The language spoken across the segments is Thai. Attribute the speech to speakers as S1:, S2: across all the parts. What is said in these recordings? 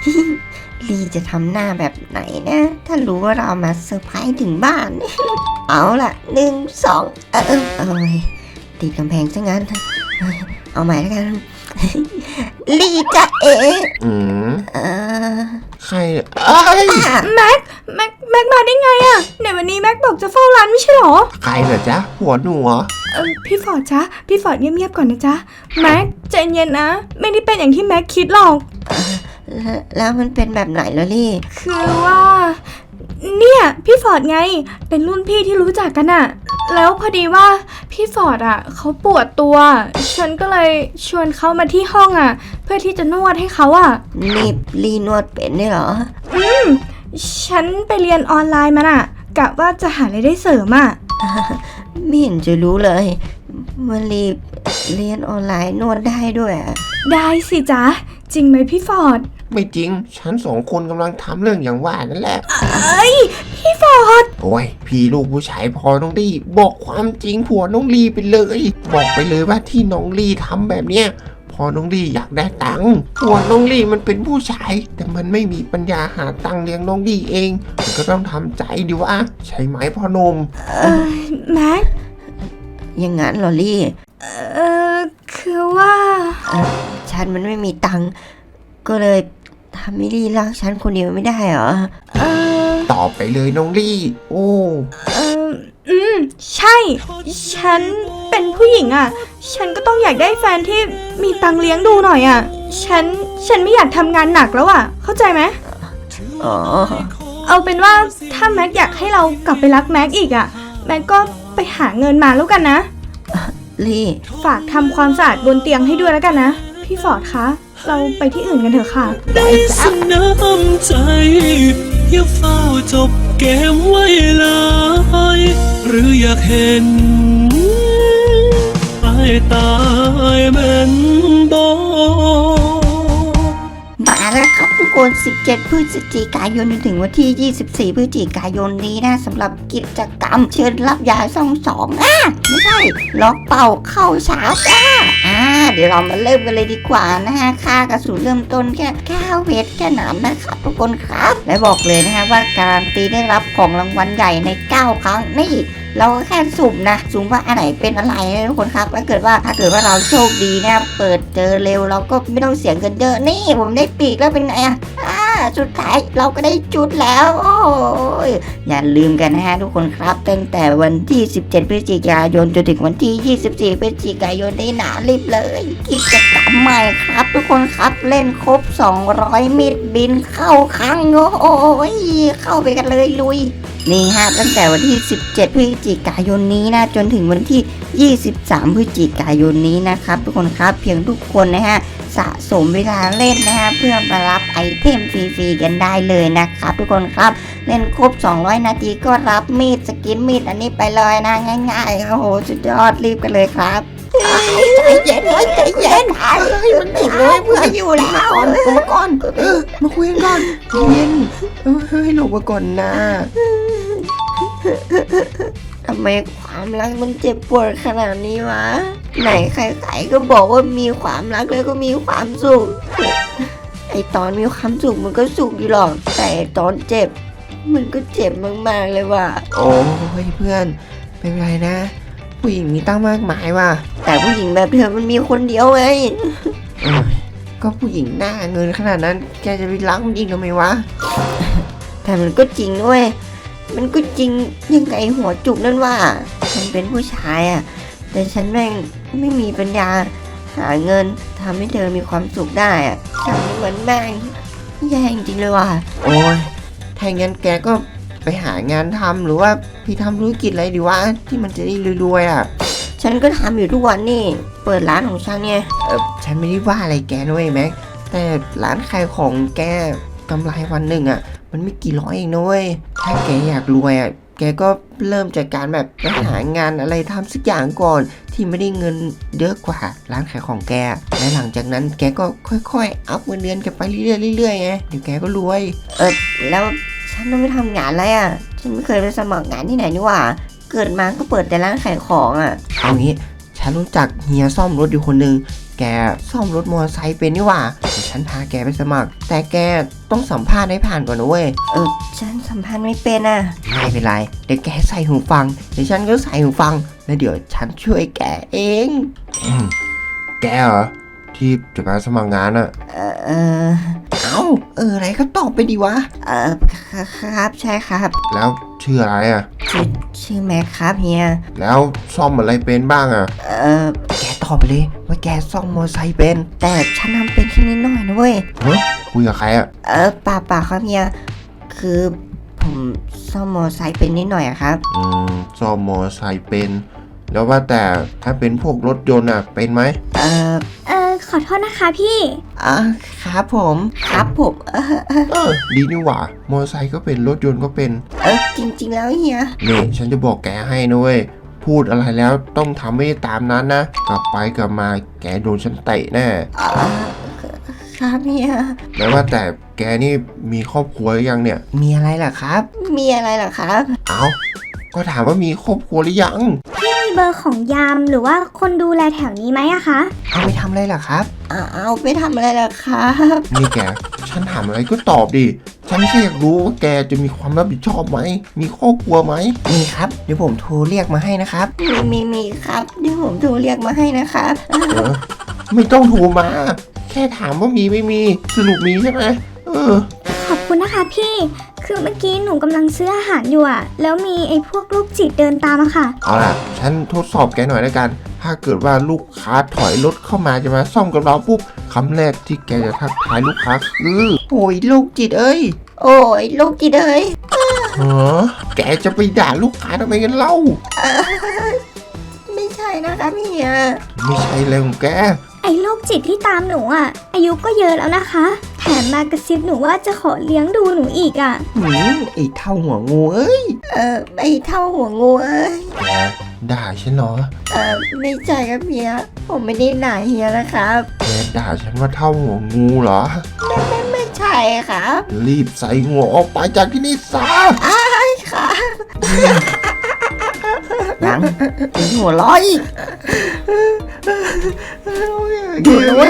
S1: ลีจะทำหน้าแบบไหนนะถ้ารู้ว่าเรามาเซอร์ไพรส์ถึงบ้าน เอาล่ะ1 2ติดกำแพงซะงั้นเอาใหม่แล้วกัน ลีจะ
S2: ใคร
S3: แม็กมาได้ไงอะในวันนี้แม็กบอกจะเฝ้าร้านไม่ใช่หรอ
S2: ใครเหรอจ๊ะหัวหนูเหรอ
S3: พี่ฟอร์ดจ๊ะพี่ฟอร์ดเงียบๆก่อนนะจ๊ะแม็กใจเย็นนะไม่ได้เป็นอย่างที่แม็กคิดหรอก
S1: แล้วมันเป็นแบบไหนล่ะลี่
S3: คือว่าเนี่ยพี่ฟอร์ดไงเป็นรุ่นพี่ที่รู้จักกันอะแล้วพอดีว่าพี่ฟอร์ดอะเขาปวดตัวฉันก็เลยชวนเขามาที่ห้องอะเพื่อที่จะนวดให้เขาอะ
S1: นี่ลี่นวดเป็นได้เหรอ
S3: ฉันไปเรียนออนไลน์มาอะกะว่าจะหารายได้เสริมอะ
S1: ไม่เห็นจะรู้เลยว่าลี่เรียนออนไลน์นวดได้ด้วย
S3: ได้สิจ๊ะจริงไหมพี่ฟอร์ด
S2: ไม่จริงฉัน2 คนกำลังทำเรื่องอย่างว่านั่นแหละ
S3: พี่ฟอร์ด
S2: โอ้ยพี่ลูกผู้ชายพอน้องลี่บอกความจริงผัวน้องลี่ไปเลยบอกไปเลยว่าที่น้องลี่ทำแบบเนี้ยพอน้องลี่อยากได้ตังค์ผัวน้องลี่มันเป็นผู้ชายแต่มันไม่มีปัญญาหาตังค์เลี้ยงน้องลี่เองมันก็ต้องทำใจดิวะใช่ไหมพ่อหนุ่ม
S3: แม็ก
S1: อย่างงั้นเหรอลี่
S3: คือว่า
S1: ฉันมันไม่มีตังค์ก็เลยทำให้ลี่รักฉันคนเดียวไม่ได้เหรอ
S2: ตอบไปเลยน้องลี่โอ้
S3: ใช่ฉันเป็นผู้หญิงอ่ะฉันก็ต้องอยากได้แฟนที่มีตังค์เลี้ยงดูหน่อยอ่ะฉันไม่อยากทำงานหนักแล้วอ่ะเข้าใจไหมเอาเป็นว่าถ้าแม็กอยากให้เรากลับไปรักแม็กอีกอ่ะแม็กก็ไปหาเงินมาแล้วกันนะ
S1: ลี่
S3: ฝากทำความสะอาดบนเตียงให้ด้วยแล้วกันนะพี่ฟอร์ดคะเราไปที่อื่นกันเถอะค่ะ
S4: ได้สน้ำใจอย่าเฝ้าจบเกมไว้เลยหรืออยากเห็นตายเหมือนบ่
S1: มาแล้วครับทุกคน17 พฤศจิกายนถึงวันที่24 พฤศจิกายนนี้นะสำหรับกิจกรรมเชิญรับยาซ่อง2ไม่ใช่ล็อกเป่าเข้าชาร์จเดี๋ยวเรามาเริ่มกันเลยดีกว่านะฮะค่ากระสุนเริ่มต้นแค่9 เวทแค่นั้นนะครับทุกคนครับและบอกเลยนะฮะว่าการันตีได้รับของรางวัลใหญ่ใน9 ครั้งนี่เราแค่สุ่มนะสุ่มว่าอันไหนเป็นอะไรนะทุกคนครับถ้าเกิดว่าเราโชคดีนะเปิดเจอเร็วเราก็ไม่ต้องเสียเงินเยอะนี่ผมได้ปีกแล้วเป็นไงสุดท้ายเราก็ได้จุดแล้วโอ้ยอย่าลืมกันนะฮะทุกคนครับตั้งแต่วันที่17 พฤศจิกายนจนถึงวันที่24 พฤศจิกายนได้หนารีบเลยกิจกรรมใหม่ครับทุกคนครับเล่นครบ200 มิตรบินเข้าครั้งโอ้ยเข้าไปกันเลยลุยนี่ฮะตั้งแต่วันที่17 พฤศจิกายนนี้นะจนถึงวันที่23 พฤศจิกายนนี้นะครับทุกคนครับเพียงทุกคนนะฮะสะสมเวลาเล่นนะฮะเพื่อมารับไอเทมฟรีๆกันได้เลยนะครับทุกคนครับเล่นครบ200 นาทีก็รับมีดสกินมีดอันนี้ไปเลยนะง่ายๆโอ้โหสุดยอดรีบกันเลยครับใจเย็นใจเย็น
S2: มันติดเลยเพื่อนอยู่แล้วมาก่อนมาคุยกันก่อนเย็นให้หลบมาก่อนนะ
S1: ทำไมความรักมันเจ็บปวดขนาดนี้วะไหนใครๆก็บอกว่ามีความรักแล้วก็มีความสุขไอตอนมีความสุขมันก็สุขอยู่หรอกแต่ตอนเจ็บมันก็เจ็บมากๆเลยว่ะ
S2: โอ้ยเพื่อนไม่เป็นไรนะผู้หญิงมีตั้งมากมายว่ะ
S1: แต่ผู้หญิงแบบเธอมันมีคนเดียวไง
S2: ก็ผู้หญิงหน้าเงินขนาดนั้นแกจะไปรักมันจริงหรือไม่วะ
S1: แต่มันก็จริงด้วยมันก็จริงยังไงหัวจุกนั่นว่าฉันเป็นผู้ชายแต่ฉันแม่งไม่มีปัญญาหาเงินทำให้เธอมีความสุขได้ฉันเหมือนแม่งแย่จริงเลยว่ะ
S2: โอ้ยถ้างั้นแกก็ไปหางานทำหรือว่าพี่ทำธุรกิจอะไรดีวะที่มันจะได้รวย
S1: ฉันก็ทำอยู่ทุกวันนี่เปิดร้านของฉันเนี่ย
S2: ฉันไม่ได้ว่าอะไรแกด้วยแม็กแต่ร้านขายของแกกำไรวันหนึ่งมันไม่กี่ร้อยเองนะเว้ยถ้าแกอยากรวยแกก็เริ่มจากการแบบไปหางานอะไรทำสักอย่างก่อนที่ไม่ได้เงินเยอะกว่าร้านขายของแกและหลังจากนั้นแกก็ค่อยๆอัพเงินเดือนกันไปเรื่อยๆไงเดี๋ยวแกก็รวย
S1: แล้วฉันต้องไปทำงานอะไรฉันไม่เคยไปสมัครงานที่ไหนนี่หว่าเกิดมาก็เปิดแต่ร้านขายของ
S2: เอางี้ฉันรู้จักเฮียซ่อมรถอยู่คนนึงแกซ่อมรถมอเตอร์ไซค์เป็นนี่หว่าฉฉันพาแกไปสมัคร แต่แกต้องสัมภาษณ์ให้ผ่านก่อนนะเว้ย
S1: ฉันสัมพันธ์ไม่เป็นอ่ะ
S2: ไม่เป็นไรเดี๋ยวแกใส่หูฟังเดี๋ยวฉันก็ใส่หูฟังแล้วเดี๋ยวฉันช่วยแกเอง
S5: แกเหรอที่จะมาสมัครงานอะ
S2: อะไรก็ตอบไปดีวะ
S1: ครับใช่ครับ
S5: แล้วชื่ออะไรอะ
S1: ชื่อแม็กครับเฮีย
S5: แล้วซ่อมอะไรเป็นบ้างอะ
S2: แกตอบไปเลยว่าแกซ่อมมอไซค์เป็น
S1: แต่ฉันทำเป็นแค่นิดหน่อยนะเว้ย
S5: เฮ้ยคุยกับใครอะ
S1: ป่าครับเฮีย คือผมซ่อมมอไซค์เป็นนิดหน่อยอะครับ
S5: ซ่อมมอไซค์เป็น แล้วว่าแต่ถ้าเป็นพวกรถยนต์อะเป็นไหม
S3: ขอโทษนะคะพี่
S2: ครับผม
S1: ครับผม
S5: ดีนี่หว่ามอไซค์ก็เป็นรถยนต์ก็เป็น
S1: จริงๆแล้วเฮีย
S5: นี่ฉันจะบอกแกให้นะเว้ยพูดอะไรแล้วต้องทำให้ตามนั้นนะกลับไปกลับมาแกโดนฉันเตะแน่
S1: ครับเฮีย
S5: แล้วว่าแต่แกนี่มีครอบครัวหรือยังเนี่ย
S2: มีอะไรล่ะครับ
S1: มีอะไรเหรอครับ
S5: เอาก็ถามว่ามีครอบครัวหรือยัง
S3: มีเบอร์ของยามหรือว่าคนดูแลแถวนี้ไหมอะคะ
S2: เอาไปทำอะไรล่ะครับ
S1: เอาไปทำอะไรล่ะครับ
S5: นี่แก ฉันถามอะไรก็ตอบดิ ฉันแค่อยากรู้ว่าแกจะมีความรับผิดชอบไหม มีครอบครัวไหม
S2: มีครับเดี๋ยวผมโทรเรียกมาให้นะครับ
S1: มีครับเดี๋ยวผมโทรเรียกมาให้นะครับ
S5: ไม่ต้องโทรมา แค่ถามว่ามีไม่มี สรุปมีใช่ไหม
S3: ขอบคุณนะคะพี่ คือเมื่อกี้หนูกำลังซื้ออาหารอยู่อะแล้วมีไอ้พวกลูกจิตเดินตามอะค่ะ
S5: เอาล่ะ ฉันทดสอบแกหน่อยแล้วกัน ถ้าเกิดว่าลูกค้าถอยรถเข้ามาจะมาซ่อมกับเราปุ๊บคำแรกที่แกจะทักทายลูกค้าคือ
S2: โอ้ยลูกจิตเอ้ย
S1: โอ้ยลูกจีเดย
S5: ฮะแกจะไปด่าลูกค้าทำไมกันเล่า
S1: ไม่ใช่นะครับเฮีย
S5: ไม่ใช่เลยของแก
S3: ไอ้โรคจิตที่ตามหนูอะอายุก็เยอะแล้วนะคะ แถมมากระซิบหนูว่าจะขอเลี้ยงดูหนูอีกอะ
S2: ไอ้เท่าหัวงูเอ้ย
S1: ไอเท่าหัวงูเอ้ย
S5: แกด่าฉันเหรอ
S1: ไม่ใช่ครับเฮีย ผมไม่ได้ด่าเฮียนะครับ
S5: แกด่าฉันว่าเท่าหัวงูเหรอ
S1: ไม่ใช่ครับ
S5: รีบใส่หัวออกไปจากที่นี่ซะ
S1: ครับยังเป็นหัวเร้อยอยู่ด้วย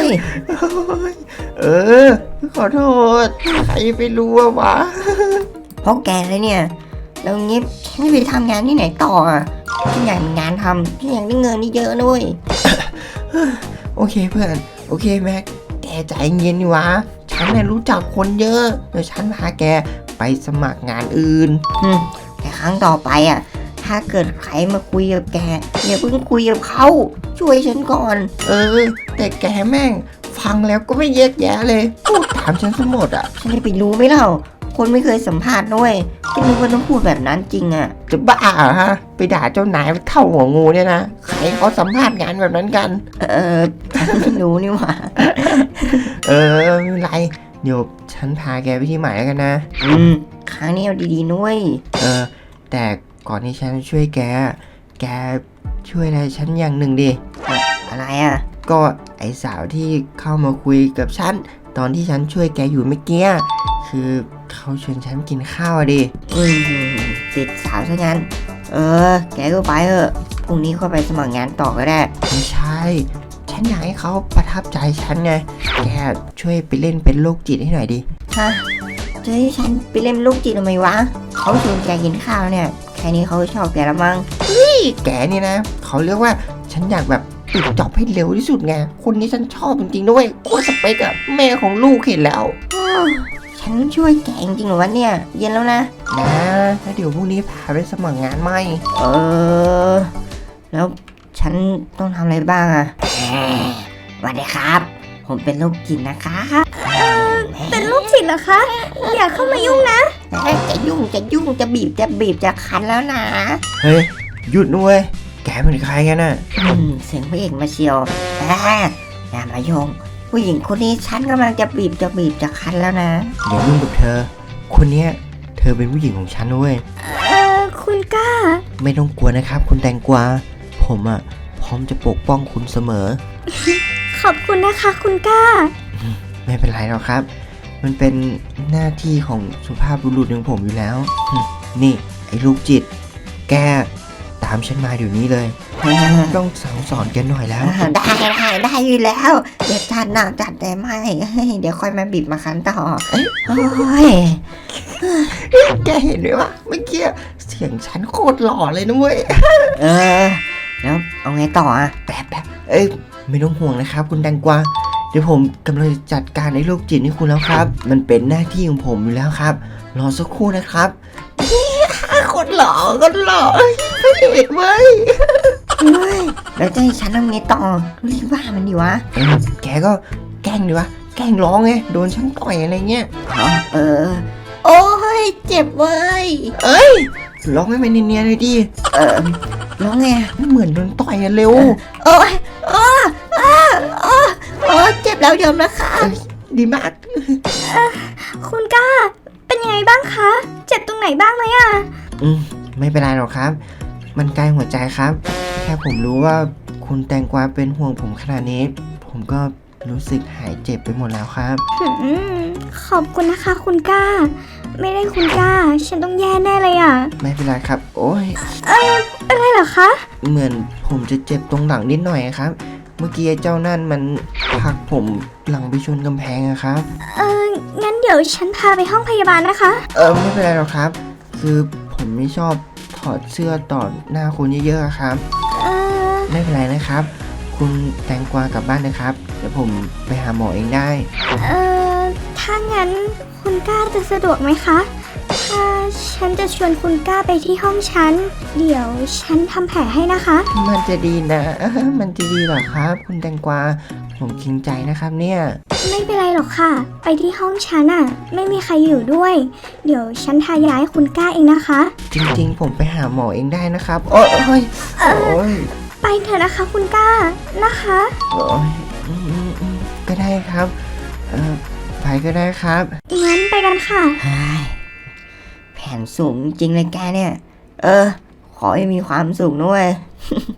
S2: ขอโทษ ใครไปรู้วะ
S1: เพราะแกเลยเนี่ย แล้วงี้ฉันจะไปทำงานที่ไหนต่ออ่ะฉันอยากมีงานทำฉันอยากได้เงินนี่เยอะด้วย
S2: โอเคเพื่อน โอเคแม็ก แกใจเย็นดีวะ ฉันเนี่ยรู้จักคนเยอะเดี๋ยวฉันพาแกไปสมัครงานอื่น
S1: แต่ครั้งต่อไปอ่ะ ถ้าเกิดใครมาคุยกับแกอย่าเพิ่งคุยกับเขาช่วยฉันก่อน
S2: แต่แกแม่ง ฟังแล้วก็ไม่แยกแยะเลย พูดถามฉันสมดอ่ะ
S1: ฉันจะไปรู้ไหมเล่า คนไม่เคยสัมภาษณ์ด้วยก็นึกว่าต้องพูดแบบนั้นจริงอ่ะ
S2: จะบ้าเหรอฮะ ไปด่าเจ้านายว่าเท่าหัวงูเนี่ยนะ ใครเขาสัมภาษณ์งานแบบนั้นกัน
S1: ฉันไม่รู้นี่หว่า
S2: ไม่เป็นไร เดี๋ยวฉันพาแกไปที่ใหม่แล้วกันนะ
S1: ครั้งนี้เอาดีๆนุ้ย
S2: แต่ก่อนที่ฉันจะช่วยแกช่วยอะไรฉันอย่างหนึ่งดิ
S1: อะไรอ่ะ
S2: ก็ไอสาวที่เข้ามาคุยกับฉันตอนที่ฉันช่วยแกอยู่เมื่อกี้คือเขาชวนฉันกินข้าวอะดิ
S1: ติดสาวซะงั้น แกก็ไปเถอะพรุ่งนี้ค่อยไปสมัครงานต่อก็ได้
S2: ไม่ใช่ ฉันอยากให้เขาประทับใจฉันไง แกช่วยไปเล่นเป็นโรคจิตให้หน่อยดิ
S1: ฮะจะให้ฉันไปเล่นลูกจิตทำไมวะ เขาชวนแกกินข้าวเนี่ย แค่นี้เขาก็ชอบแกแล้วมั้ง
S2: แกนี่นะ เขาเรียกว่าฉันอยากแบบปิดจ็อบให้เร็วที่สุดไง คนนี้ฉันชอบจริงๆด้วยโคตรสเปกอะแม่ของลูกเห็นแล้ว
S1: ฉันช่วยแกจริงๆเหรอวะเนี่ย เย็นแล้วนะ
S2: แล้วเดี๋ยวพรุ่งนี้พาไปสมัครงานใหม่
S1: แล้วฉันต้องทำอะไรบ้างอะสวัสดีครับ ผมเป็นลูกจิตนะคะ
S3: เป็นลูกจิตเหรอคะ อย่าเข้ามายุ่งนะ
S1: จะยุ่งจะบีบจะคันแล้วนะ
S2: เฮ้ย หยุดด้วยแกเป็นใครกันน่ะ
S1: เสียงพระเอกมาเชียวอย่ามาโยง ผู้หญิงคนนี้ฉันกำลังจะบีบจะคันแล้วนะ
S2: อย่ายุ่งกับเธอ คนเนี้ยเธอเป็นผู้หญิงของฉันด้วย
S3: คุณกล้า
S2: ไม่ต้องกลัวนะครับ คุณแตงกวาผมอะพร้อมจะปกป้องคุณเสมอ
S3: ขอบคุณนะคะ คุณกล้า
S2: ไม่เป็นไรหรอกครับ มันเป็นหน้าที่ของสุภาพบุรุษอย่างผมอยู่แล้ว นี่ ไอ้ลูกจิต แกตามามฉันมาเดี๋ยวนี้เลย ต้องสั่งสอนแกหน่อยแล้ว
S1: ได้อยู่แล้ว เดี๋ยวจัดหนักจัดแต่ไม่เฮ้ยเดี๋ยวค่อยมาบีบมาคั้นต่อโอ้ย
S2: แกเห็นไหมวะเมื่อกี้เสียงฉันโคตรหล่อเลยนะเว้ย
S1: เออแล้วเอาไงต่ออ่ะ
S2: แป๊บเอ้ยไม่ต้องห่วงนะครับคุณแตงกวาเดี๋ยวผมกำลังจะจัดการไอ้โรคจิตให้คุณแล้วครับ มันเป็นหน้าที่ของผมอยู่แล้วครับรอสักครู่นะครับคนหล่อไม่เห็นเว้ย
S1: เฮ้ยแล้วจะให้ฉันทำไงต่อรีบว่ามันดิวะ
S2: แกก็แกล้งดิวะแกล้งร้องไงโดนฉันต่อยอะไรเงี้ย
S1: เออโอ้ยเจ็บเว้ย
S2: ร้องให้มันเนียนๆเลยดิ
S1: ร้องไง
S2: ไม่เหมือนโดนต่อยอะเร็ว
S1: โอ้ยเจ็บแล้วยอมนะคะ
S2: ดีมาก
S3: คุณก้า เป็นยังไงบ้างคะ เจ็บตรงไหนบ้างไหมอะ
S2: ไม่เป็นไรหรอกครับ มันใกล้หัวใจครับ แค่ผมรู้ว่าคุณแตงกวาเป็นห่วงผมขนาดนี้ ผมก็รู้สึกหายเจ็บไปหมดแล้วครับ
S3: ขอบคุณนะคะคุณก้า ไม่ได้คุณก้า ฉันต้องแย่แน่เลยอะ
S2: ไม่เป็นไรครับ โอ้ย
S3: อะไรเหรอคะ
S2: เหมือนผมจะเจ็บตรงหลังนิดหน่อยครับ เมื่อกี้ไอ้เจ้านั่นมันผลักผมหลังไปชนกำแพงอะครับ
S3: งั้นเดี๋ยวฉันพาไปห้องพยาบาลนะคะ
S2: ไม่เป็นไรหรอกครับ คือผมไม่ชอบถอดเสื้อต่อหน้าคนเยอะๆอะครับ ไม่เป็นไรนะครับ คุณแตงกวากลับบ้านนะครับ เดี๋ยวผมไปหาหมอเองได้
S3: ถ้างั้นคุณก้าจะสะดวกไหมคะ ถ้าฉันจะชวนคุณก้าไปที่ห้องฉัน เดี๋ยวฉันทำแผลให้นะคะ
S2: มันจะดีนะ มันจะดีเหรอครับ คุณแตงกวา ผมเกรงใจนะครับเนี่ย
S3: ไม่เป็นไรหรอกค่ะ ไปที่ห้องฉันอะไม่มีใครอยู่ด้วย เดี๋ยวฉันทายาให้คุณก้าเองนะคะ
S2: จริงๆ ผมไปหาหมอเองได้นะครับ โอ้ยโอ้ย
S3: ไปเถอะนะคะคุณก้านะคะ
S2: โอ้ยก็ได้ครับ ไปก็ได้ครับ
S3: งั้นไปกันค่ะ
S1: เฮ้ยแผนสูงจริงเลยแกเนี่ย ขอให้มีความสุขด้วย